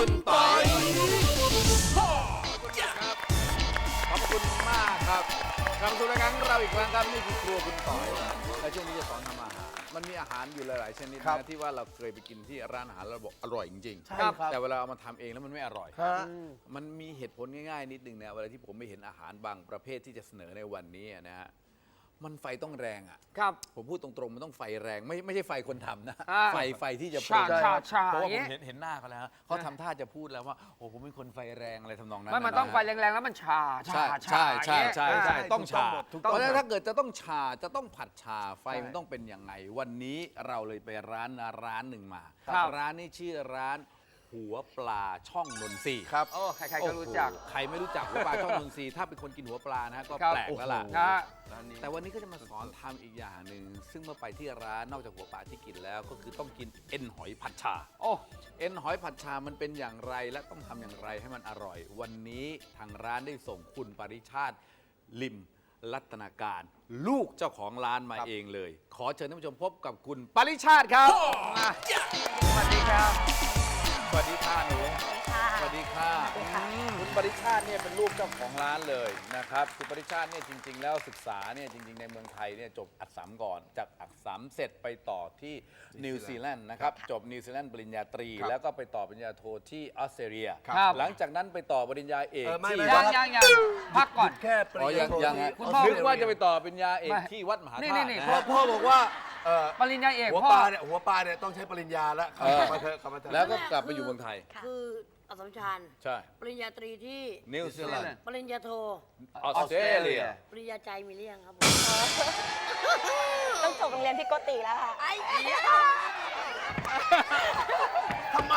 คุณปอยขอบคุณมากครับกลับมาสู่รายการของเราอีกครั้งครับนี่คือครัวคุณต่อยและช่วงนี้จะสอนทำอาหารมันมีอาหารอยู่หลายๆชนิดนะที่ว่าเราเคยไปกินที่ร้านอาหารแล้วบอกอร่อยจริงๆแต่เวลาเอามาทำเองแล้วมันไม่อร่อยมันมีเหตุผลง่ายๆนิดนึงนะเวลาที่ผมไปเห็นอาหารบางประเภทที่จะเสนอในวันนี้นะฮะมันไฟต้องแรงอ่ะครับผมพูดตรงๆมันต้องไฟแรงไม่ใช่ไฟคนทำนะไฟที่จะปรุงเพราะว่าผมเห็นหน้าเขาแล้วเขาทำท่าจะพูดแล้วว่าโอ้ผมเป็นคนไฟแรงอะไรทำนองนั้นมันต้องไฟแรงๆแล้วมันชาใช่ต้องชาเพราะฉะนั้นถ้าเกิดจะต้องชาจะต้องผัดชาไฟมันต้องเป็นยังไงวันนี้เราเลยไปร้านหนึ่งมาร้านนี้ชื่อร้านหัวปลาช่องนนทรีครับโอ้ใครๆก็รู้จักใครไม่รู้จักหัวปลาช่องนนทรีถ้าเป็นคนกินหัวปลานะก็แปลกแล้วล่ะแต่วันนี้ก็จะมาสอนทำอีกอย่างหนึ่งซึ่งเมื่อไปที่ร้านนอกจากหัวปลาที่กินแล้วก็คือต้องกินเอ็นหอยผัดชาเอ็นหอยผัดชามันเป็นอย่างไรและต้องทำอย่างไรให้มันอร่อยวันนี้ทางร้านได้ส่งคุณปริชาติลิมรัตนาการลูกเจ้าของร้านมาเองเลยขอเชิญท่านผู้ชมพบกับคุณปริชาติครับสวัสดีครับสวัสดีค่ะหนูสวัสดีค่ะคุณปริชาติเนี่ยเป็นลูกเจ้าของร้านเลยนะครับคุณปริชาติเนี่ยจริงๆแล้วศึกษาเนี่ยจริงๆในเมืองไทยเนี่ยจบอักษรก่อนจากอักษรเสร็จไปต่อที่นิวซีแลนด์นะครับจบนิวซีแลนด์ปริญญาตรีแล้วก็ไปต่อปริญญาโทที่ออสเตรเลียหลังจากนั้นไปต่อปริญญาเอกที่ยังพักก่อนแค่ปริญญาโทนึกว่าจะไปต่อปริญญาเอกที่วัดมหาธาตุพ่อบอกว่าปริญญาเอกหัวปลาเนี่ยต้องใช้ปริญญาแล้วแล้วก็กลับไปอยู่เมืองไทยคืออัสสัมชัญใช่ปริญญาตรีที่นิวซีแลนด์ปริญญาโทออสเตรเลียปริญญาใจมีเรื่องครับผมต้องจบโรงเรียนพิโกติแล้วค่ะทำไม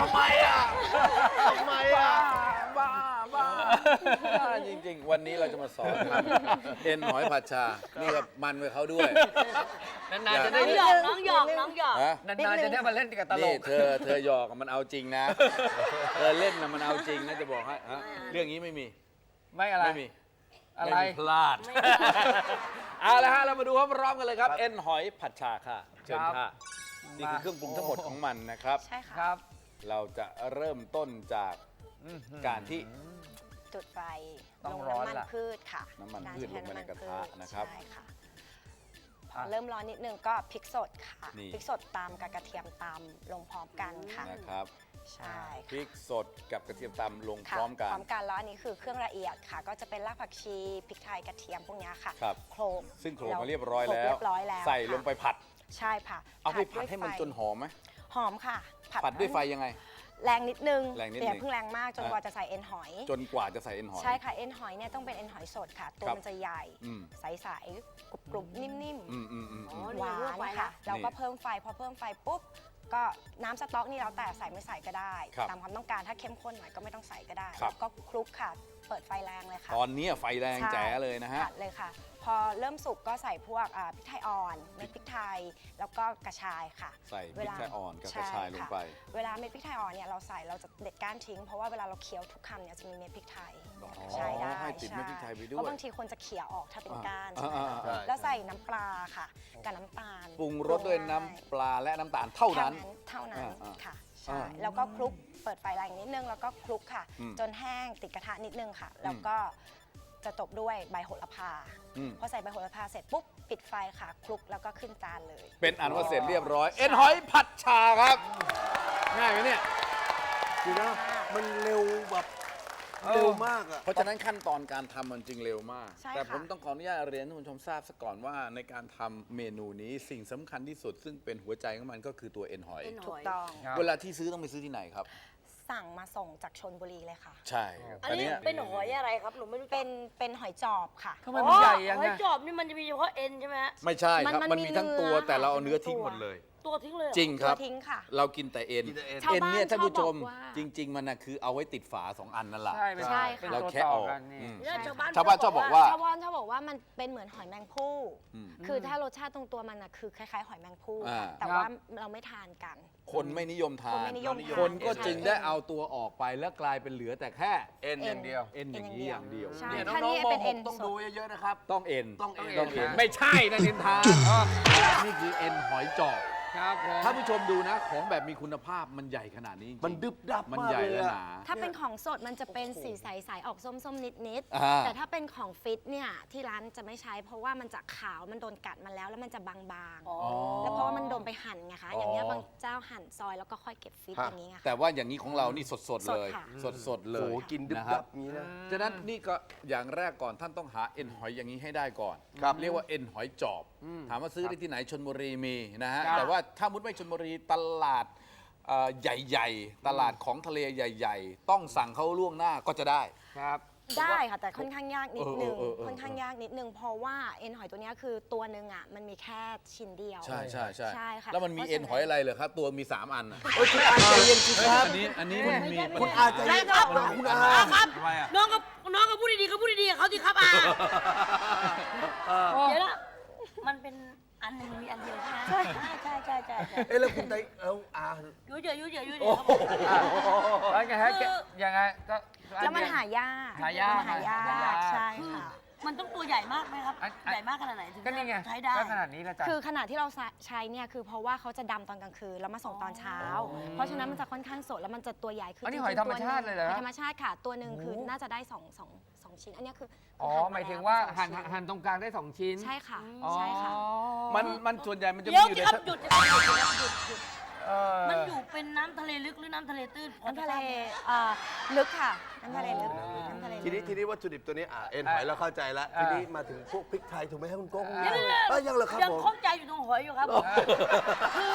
บ้าจริงๆวันนี้เราจะมาสอนเอ็นหอยผัดชานี่กับมันไปเขาด้วยนานๆจะได้น้องหยอกนานๆจะได้มาเล่นกับตลกเธอหยอกมันเอาจริงนะเธอเล่นนะมันเอาจริงนะจะบอกให้เรื่องนี้ไม่มีอะไรไม่มีอะไรพลาดเอาละฮะเรามาดูพร้อมๆกันเลยครับเอ็นหอยผัดชาค่ะเชิญค่ะนี่คือเครื่องปรุงทั้งหมดของมันนะครับใช่ค่ะเราจะเริ่มต้นจากการที่จุดไฟลงน้ำมันพืชค่ะน้ำมันพืชลงไปในกระทะนะครับใช่ค่ะพอเริ่มร้อนนิดนึงก็พริกสดค่ะพริกสดตามกับกระเทียมตามลงพร้อมกันค่ะนะครับใช่พริกสดกับกระเทียมตำลงพร้อมกันแล้วอันนี้คือเครื่องละเอียดค่ะก็จะเป็นรากผักชีพริกไทยกระเทียมพวกนี้ค่ะโขลกซึ่งโขลกมาเรียบร้อยแล้วใส่ลงไปผัดใช่ค่ะเอาไปผัดให้มันจนหอมไหมหอมค่ะผัดด้วยไฟยังไงแรงนิดนึงอย่าเพิ่งแรงมากจนกว่าจะใส่เอ็นหอยใช่ค่ะเอ็นหอยเนี่ยต้องเป็นเอ็นหอยสดค่ะตัวมันจะใหญ่ใสๆกรุบๆนิ่มๆหวานค่ะเราก็เพิ่มไฟพอเพิ่มไฟปุ๊บก็น้ำสต๊อกนี่เราแต่ใส่ไม่ใส่ก็ได้ตามความต้องการถ้าเข้มข้นหน่อยก็ไม่ต้องใส่ก็ได้ก็คลุกค่ะเปิดไฟแรงเลยค่ะตอนนี้ไฟแรงแจ๋เลยนะฮะเลยค่ะพอเริ่มสุกก็ใส่พวกพริกไทยอ่อนเม็ดพริกไทยแล้วก็กระชายค่ะใส่พริกไทยอ่อนกับกระชายลงไปเวลาเม็ดพริกไทยอ่อนเนี่ยเราใส่เราจะเด็ดก้านทิ้งเพราะว่าเวลาเราเคี้ยวทุกคำเนี่ยจะมีเม็ดพริกไทยใช่ได้ให้ติดเม็ดพริกไทยไปด้วยเพราะบางทีคนจะเขี่ยออกถ้าเป็นก้านแล้วใส่น้ำปลาค่ะกับน้ำตาลปรุงรสด้วยน้ำปลาและน้ำตาลเท่านั้นค่ะใช่แล้วก็คลุกเปิดไฟแรงนิดนึงแล้วก็คลุกค่ะจนแห้งติดกระทะนิดนึงค่ะแล้วก็จะตบด้วยใบโหระพาพอใส่ใบโหระพาเสร็จปุ๊บปิดไฟค่ะคลุกแล้วก็ขึ้นจานเลยเป็นอันว่าเสร็จเรียบร้อยเอ็นหอยผัดชาครับง่ายไหมเนี่ยคือนะมันเร็วแบบเร็วมากอ่ะเพราะฉะนั้นขั้นตอนการทำมันจึงเร็วมากแต่ผมต้องขออนุญาตเรียนให้คุณผู้ชมทราบซะก่อนว่าในการทำเมนูนี้สิ่งสำคัญที่สุดซึ่งเป็นหัวใจของมันก็คือตัวเอ็นหอยถูกต้องเวลาที่ซื้อต้องไปซื้อที่ไหนครับสั่งมาส่งจากชลบุรีเลยค่ะใช่อันนี้เป็นหอยอะไรครับหนูไม่รู้เป็นหอยจอบค่ะทำไมมันใหญ่ยังไงหอยจอบนี่มันจะมีเฉพาะเอ็นใช่ไหมไม่ใช่ครับมันมีทั้งตัวแต่เราเอาเนื้อทิ้งหมดเลยตัวทิ้งเลยจริงครับทิ้งค่ะเรากินแต่เอ็นเนี่ยท่านผู้ชมจริงๆมันนะคือเอาไว้ติดฝา2อันนั่นแหละใช่ค่ะเราแค่ออกชาวบ้านชอบบอกว่ามันเป็นเหมือนหอยแมงภู่คือถ้ารสชาติตรงตัวมันนะคือคล้ายๆหอยแมงภู่แต่ว่าเราไม่ทานกันคนไม่นิยมทานคนก็จึงได้เอาตัวออกไปแล้วกลายเป็นเหลือแต่แค่เอ็นอย่างเดียวเอ็นอย่างนี้อย่างเดียวเนี่ยน้องๆม.6ต้องดูเยอะๆนะครับต้องเอ็นไม่ใช่นะนินทานี่คือเอ็นหอยจอบครับผมถ้าผู้ชมดูนะของแบบมีคุณภาพมันใหญ่ขนาดนี้จริงๆมันดึบดับมันมากใหญ่เลยและอะหนาถ้าเป็นของสดมันจะเป็นสีใสๆออกส้มๆนิดอ่าๆแต่ถ้าเป็นของฟิตเนี่ยที่ร้านจะไม่ใช้เพราะว่ามันจะขาวมันโดนกัดมาแล้วมันจะบางๆแล้วเพราะว่ามันโดนไปหั่นไงคะอย่างเงี้ยบางเจ้าหั่นซอยแล้วก็ค่อยเก็บฟิตอย่างนี้ไงแต่ว่าอย่างนี้ของเรานี่สดๆเลยสดค่ะสดๆเลโอ้ยโหกินดึบนะคดัรับบนี้นะฉะนั้นนี่ก็อย่างแรกก่อนท่านต้องหาเอ็นหอยอย่างนี้ให้ได้ก่อนครับเรียกว่าเอ็นหอยจอบ ถามว่าซื้อได้ที่ไหนชลบุรีมีนะฮะครับแต่ว่าถ้ามุดไม่ชลบุรีตลาดใหญ่ๆ ตลาดของทะเลใหญ่ ๆ ต้องสั่งเขาล่วงหน้าก็จะได้ครับได้ค่ะแต่ค่อนข้างยากนิดนึงเออค่อนข้างยากนิดนึงเพราะว่าเอ็นหอยตัวเนี้ยคือตัวหนึ่งอ่ะมันมีแค่ชิ้นเดียวใช่ใช่ค่ะแล้วมันมีเอ็นหอยอะไรเหรอครับ ตัวมี 3 อันอะโอ้ยคุณอาใจเย็นสิครับอันนี้มันมีคุณอาใจเย็นครับคุณอาครับทำไมอะน้องก็พูดดีๆก็พูดดีๆกับเขาสิครับอาเดี๋ยวนะมันเป็นอันหนึงมีอันเดียวใช่ไหมใช่ใช่เอ้ยแล้วคุณไตอายุ่ยเยอะยุ่ยเยอะยุ่ยเยโอ้อะโหแล้วไงฮะยังไงก็แล้วมันหายากหายากมันหายากใช่ค่ะมันต้องตัวใหญ่มากไหมครับ ใหญ่มากขนาดไหนถึงก็นี่ไงใช้ได้ก็ขนาดนี้แล้วจ้ะคือขนาดที่เราใช้เนี่ยคือเพราะว่าเขาจะดำตอนกลางคืนแล้วมาส่งตอนเช้า เพราะฉะนั้นมันจะค่อนข้างสดแล้วมันจะตัวใหญ่คืออันนี้จหอยงๆธรรมชาติเลยเหรอหคอรับยธรรมชาติค่ะ ตัวหนึ่งคือโอ้น่าจะได้สองชิ้น อันเนี้ยคืออ๋อหั่นหมายถึงว่าแล้วหั่นตรงกลางได้ 2 ชิ้นใช่ค่ะอ๋อใช่ค่ะมันส่วนใหญ่มันจะเดี๋มียวอยู่สิในครับหยุดหยุดเออมันอยู่เป็นน้ำทะเลลึกหรือน้ำทะเลตื้นน้ำทะเลลึกค่ะ น้ำทะเลลึกน้ำทะเลลึกทีนี้วัตถุดิบตัวนี้เอ็นหอยเราเข้าใจแล้ว ทีนี้มาถึงพวกพริกไทยถูกไหมครับคุณโก้เดี๋ยวยังเหรอครับยังผมข้องใจอยู่ตรงหอยอยู่ครับคือ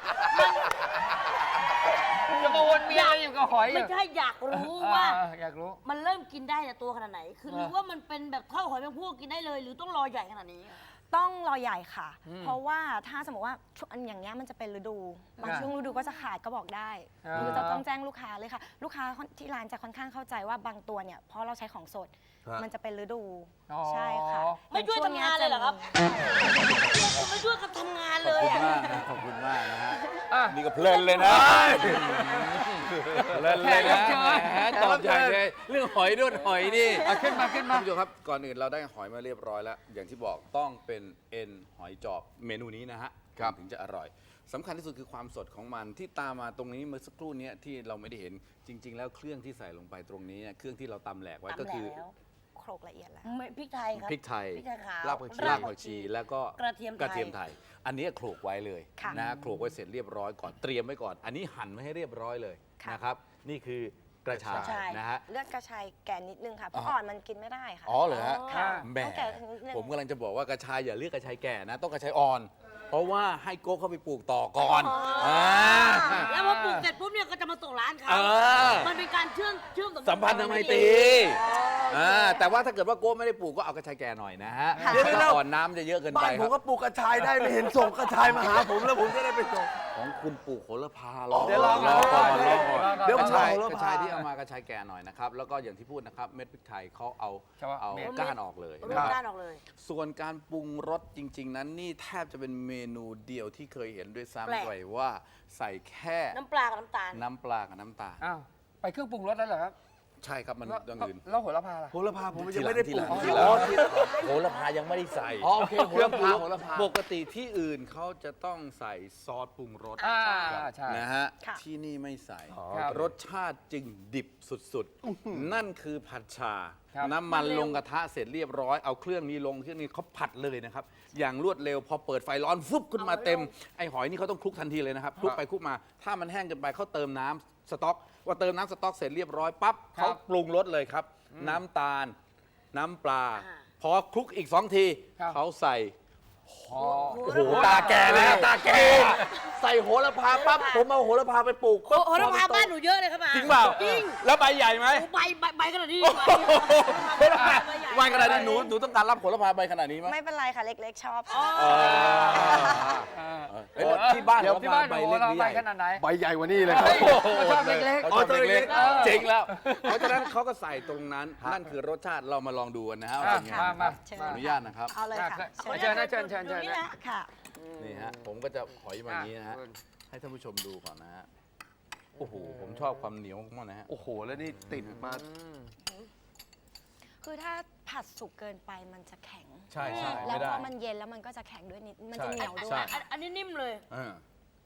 จะมาวนเวียนอะไรอยู่กับหอยไม่ใช่อยากรู้ว่าอยากรู้มันเริ่มกินได้แต่ตัวขนาดไหน คือหรือว่ามันเป็นแบบข้าวหอยแมงภู่กินได้เลย หรือต้องรอใหญ่ขนาดนี้ต้องรอใหญ่ค่ะ เพราะว่าถ้าสมมติว่าช่วงอันอย่างเงี้ยมันจะเป็นฤดู บางช่วงฤดูก็จะขาดก็บอกได้อ่าหรือจะต้องแจ้งลูกค้าเลยค่ะ ลูกค้าที่ร้านจะค่อนข้างเข้าใจว่าบางตัวเนี่ยเพราะเราใช้ของสด มันจะเป็นฤดูอ๋อใช่ค่ะไม่ช่วยทำงานเลยเหรอครับ ผมไม่ช่วยกันทำงานขเลอบยคุณอะมากนะขอบคุณมากนะฮะอ่ะนี่ก็เพลินเลยนะเพลินเลยนะแหมตอบใหญ่เลยเรื่องหอยด้วยหอยนี่ขึ้นมาท่านผู้ชมครับก่อนอื่นเราได้หอยมาเรียบร้อยแล้ว อย่างที่บอกต้องเป็นเอ็นหอยจอบเมนูนี้นะฮะถึงจะอร่อยสำคัญที่สุดคือความสดของมันที่ตามมาตรงนี้เมื่อสักครู่นี้ที่เราไม่ได้เห็นจริง ๆ แล้วเครื่องที่ใส่ลงไปตรงนี้เนี่ยเครื่องที่เราตำแหลกไว้ก็คือตำแล้วโครกละเอียดแล้วไม่พริกไทยครับพริกไทยพริกไทยขาวรากผักชีรากผักชีแล้วก็กระเทียมไทยอันนี้โขลกไว้เลยค่ะนะฮะโขลกไว้เสร็จเรียบร้อยก่อนเตรียมไว้ก่อน อันนี้หั่นไว้ให้เรียบร้อยเลยค่ะนะครับนี่คือกระชายนะฮะเลือดกระชายแก่นิดนึงค่ะ เพราะอ่อนมันกินไม่ได้ค่ะอ๋อเหรอฮะค่ะแหมต้องแก่นิดนึงผมกำลังจะบอกว่ากระชายอย่าเลือกกระชายแก่นะ ต้องกระชายอ่อน เพราะว่าให้โก้เข้าไปปลูกต่อก่อนาแล้วพอปลูกเสร็จปุ๊บเนี่ยก็จะมาส่งร้านเขาเออมันเป็นการเชื่อมสัมพันธ์ทางไมตรีแต่ว่าถ้าเกิดว่าโก้ไม่ได้ปลูกก็เอากระชายแก่หน่อยนะฮะค่ะถ้าอ่อนน้ำจะเยอะเกินไปบ้านคผรัมบก็ปลูกกระชายได้ไม่เห็นส่งกระชายมาหาผมแล้วผมจะได้ไปส่งของคุณปลูกโหระพารอเดี๋ยวรอก่อนเดี๋ยวเดี๋ยวผมกระชายรอโหระกระพาชายที่เอามากระชายแก่หน่อยนะครับแล้วก็อย่างที่พูดนะครับเม็ดพริกไทยเขาเอาเฉพาะเอาเม็ดก้านออกเลยรูนะปครับด้านออกเลยส่วนการปรุงรสจริง ๆ นั้นนี่แทบจะเป็นเมนูเดียวที่เคยเห็นด้วยแปลกซ้ำไปว่าใส่แค่น้ำปลากับน้ำตาลน้ำปลากับน้ำตาลอ้าว ไปเครื่องปรุงรสแล้วเหรอครับใช่ครับมันอย่างอื่นแล้วโหระพาล่ะโหระพาผมยังไม่ได้ปลูกทีหลังโหระพายังไม่ได้ใส่อ๋อโอเคโหระพาโหระพาปกติที่อื่นเขาจะต้องใส่ซอสปรุงรสใช่นะฮะค่ะที่นี่ไม่ใส่ครับรสชาติจึงดิบสุดๆ นั่นคือผัดชาครับน้ำมันลงกระทะเสร็จเรียบร้อยเอาเครื่องนี้ลงเครื่องนี้เขาผัดเลยนะครับ อย่างรวดเร็วพอเปิดไฟร้อนฟุบขึ้นมาเต็มไอหอยนี่เขาต้องคลุกทันทีเลยนะครับคลุกไปคลุกมา ถ้ามันแห้งเกินไปเขาเติมน้ำสต๊อกว่าเติมน้ำสต๊อกเสร็จเรียบร้อยปั๊บครับเขาปรุงรสเลยครับ น้ำตาล น้ำปลาอ่าพอคลุกอีก2 ทีครับเขาใส่โอ้โอ้โหตาแก่แล้วตาแก่ใส่โหระพาปั๊บผมเอาโหระพาไปปลูกปั๊บโหระพาบ้านหนูเยอะเลยครับอาจริงเปล่าจริงแล้วใบใหญ่ไหมโอ้ใบขนาดนี้โอ้โหใบขนาดนี้หนูต้องการรับผลไม้ใบขนาดนี้ไหมไม่เป็นไรค่ะ เล็กๆ ชอบเฮ้ยที่บ้านเดี๋ยวผลที่ไม้บ้านใบโหเล็กเราหรือไปใหญ่ขนาดไหนใบใหญ่กว่านี้เลยครับเขาชอบเล็กเขาชอบเล็กเออๆเจ๋งแล้ว เพราะฉะนั้นเขาก็ใส่ตรงนั้น นั่นคือรสชาติเรามาลองดูกันนะฮะว่าเป็นไงมาเชิญขออนุญาตนะครับเอาเลยค่ะเชิญนะเชิญเชิญตรงนี้นะค่ะนี่ฮะผมก็จะหอยมาอย่างนี้นะฮะให้ท่านผู้ชมดูก่อนนะฮะโอ้โหผมชอบความเหนียวมากๆนะฮะโอ้โห แล้วนี่ติดมาคือถ้าผัดสุกเกินไปมันจะแข็งใช่แล้ไม่วได้พอมันเย็นแล้วมันก็จะแข็งด้วยนิด มันจะใช่เหนียวด้วใช่ยอันนี้นิ่มเลยเออ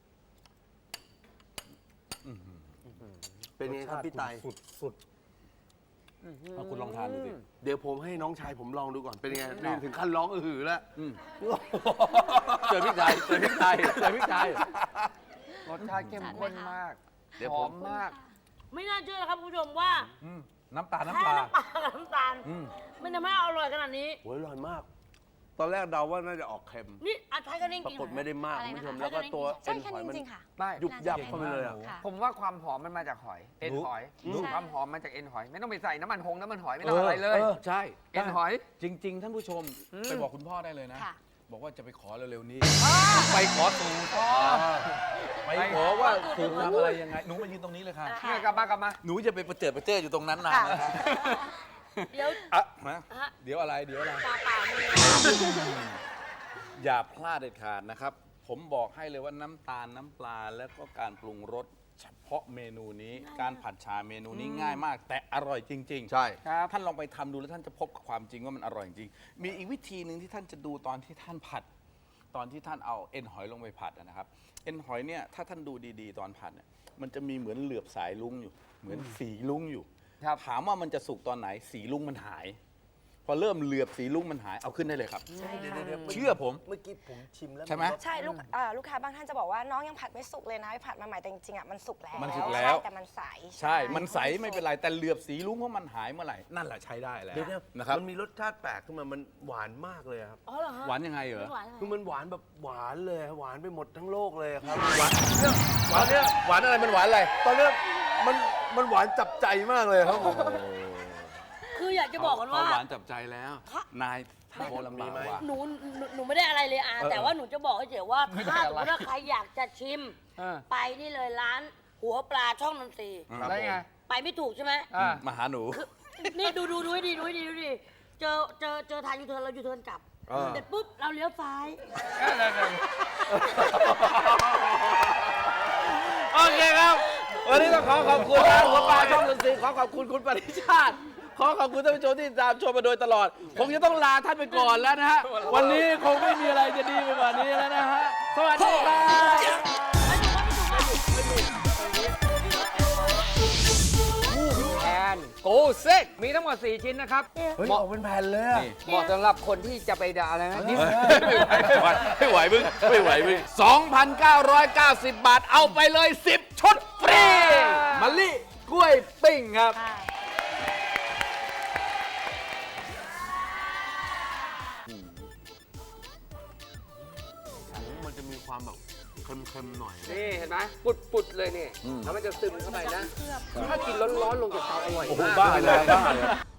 เป็นไงครับพี่ไตสุดเอาคุณลองทานดูสิเดี๋ยวผมให้น้องชายผมลองดูก่อนเป็นยังไงนี่ถึงขั้นร้องอื้อหือแล้วเจอพริกไทยเจอพริกไทยเจอพริกไทยรสชาติเข้มข้นมากเดี๋ยวหผอมมมากไม่น่าเชื่อนะครับคุณผู้ชมว่าน้ำตาลแค่น้ำปลาน้ำปลากับน้ำตาลมันทำให้อร่อยขนาดนี้โอ้ยอร่อยมาก ตอนแรกเดาว่าน่าจะออกเค็มนี่อาใช้กันเองปรากินกฏไม่ได้มากอะไรคุณนะคะผู้ชมแล้วก็ตัวใช่เอ็นแค่หอยนี้มันจริงๆค่ะไม่ยุบยับเข้าไปเลยอะค่ะผมว่าความหอมมันมาจากหอย เอ็นหอยใช่ความหอมมาจากเอ็นหอย ไม่ต้องไปใส่น้ำมันหอยไม่ต้องอะไรเลยใช่เอ็นหอยจริง ๆ ท่านผู้ชมไปบอกคุณพ่อได้เลยนะค่ะบอกว่าจะไปขอเร็วๆนี้ ไปขอสูตรไปขอว่าสูตรทำอะไรยังไง หนูมายืนตรงนี้เลยค่ะเนี่ยกลับมหนูจะไปประเจิดอยู่ตรงนั้นนานนะเดี๋ยวอ่ะมาฮะเดี๋ยวอะไรเปล่าๆมืออย่าพลาดเด็ดขาดนะครับ ผมบอกให้เลยว่าน้ำตาลน้ำปลาแล้วก็การปรุงรสเฉพาะเมนูนี้ การผัดชาเมนูนี้ง่ายมาก แต่อร่อยจริงๆใช่ครับท่านลองไปทำดูแล้วท่านจะพบกับความจริงว่ามันอร่อยจริง มีอีกวิธีหนึ่งที่ท่านจะดูตอนที่ท่านผัด ตอนที่ท่านเอาเอ็นหอยลงไปผัดนะครับ เอ็นหอยเนี่ยถ้าท่านดูดีๆตอนผัดเนี่ยมันจะมีเหมือนเหลือบสายลุ้งอยู่ เหมือนสีลุ้งอยู่ครับถามว่ามันจะสุกตอนไหนสีลุ้งมันหาย พอเริ่มเหลือบสีลุ้งมันหายเอาขึ้นได้เลยครับใช่ค่ะเชื่อผมเมื่อกี้ผมชิมแล้วใช่ไหมใช่ลูกค้าบางท่านจะบอกว่าน้องยังผัดไม่สุกเลยนะไปผัดมาใหม่แต่จริงๆอ่ะมันสุกแล้วมันสุกแล้วใช่แต่มันใสใช่ มันใสไม่เป็นไรแต่เหลือบสีลุ้งเพราะมันหายเมื่อไหร่นั่นแหละใช้ได้แล้วเดี๋ยวนะนะครับมันมีรสชาติแปลกขึ้นมามันหวานมากเลยครับอ๋อเหรอฮะหวานยังไงเหรอหวานยังไงคือมันหวานแบบหวานเลยหวานไปหมดทั้งโลกเลยครับหวานเนี่ยหวานเนี่ยหวานอะไรมันหวานอะไรตอนเนี้ยมันหวานจับใจมากเลยครับผมคืออยากจะบอกกันว่าเขหวานจับใจแล้ว นายท่าโบลำบากว่ะหนูไม่ได้อะไรเลยอาแต่ว่าหนูจะบอกให้เฉยว่าไม่ได้ถ้าอะไรสมมติว่าใครอยากจะชิมเออไปนี่เลยร้านหัวปลาช่องนนทรีย์ได้ไงไปไม่ถูกใช่ไหมอ่ามาหาหนูนี่ดูให้ดีเจอทางยูเทิร์นเรายูเทิร์นกลับเสร็จปุ๊บเราเลี้ยวซ้ายโอเคครับ วันนี้ต้องขอขอบคุณร้านหัวปลาช่องดนตรีขอขอบคุณคุณปริชาติ ขอขอบคุณท่านผู้ชมที่ติดตามชมมาโดยตลอด คงจะต้องลาท่านไปก่อนแล้วนะฮะ วันนี้คงไม่มีอะไรจะดีไปกว่านี้แล้วนะฮะ สวัสดีครับแอนโกเซ็กมีทั้งหมด 4 ชิ้นนะครับเฮ้ยออกเป็นแผ่นเลยอะเหมาะสำหรับคนที่จะไปด่าอะไรนะนี่ไม่ไหวมึง2,990 บาท เอาไปเลย 10 ชุดฟรีมะลิกล้วยปิ้งครับใช่มันจะมีความแบบเค็มๆหน่อยนี่เห็นไหมปุดๆเลยนี่แล้วมันจะซึมเข้าไปนะ ถ้ากินร้อนๆลงจากเตาอร่อยโอ้โหมากบ้าเลยบ้าเลย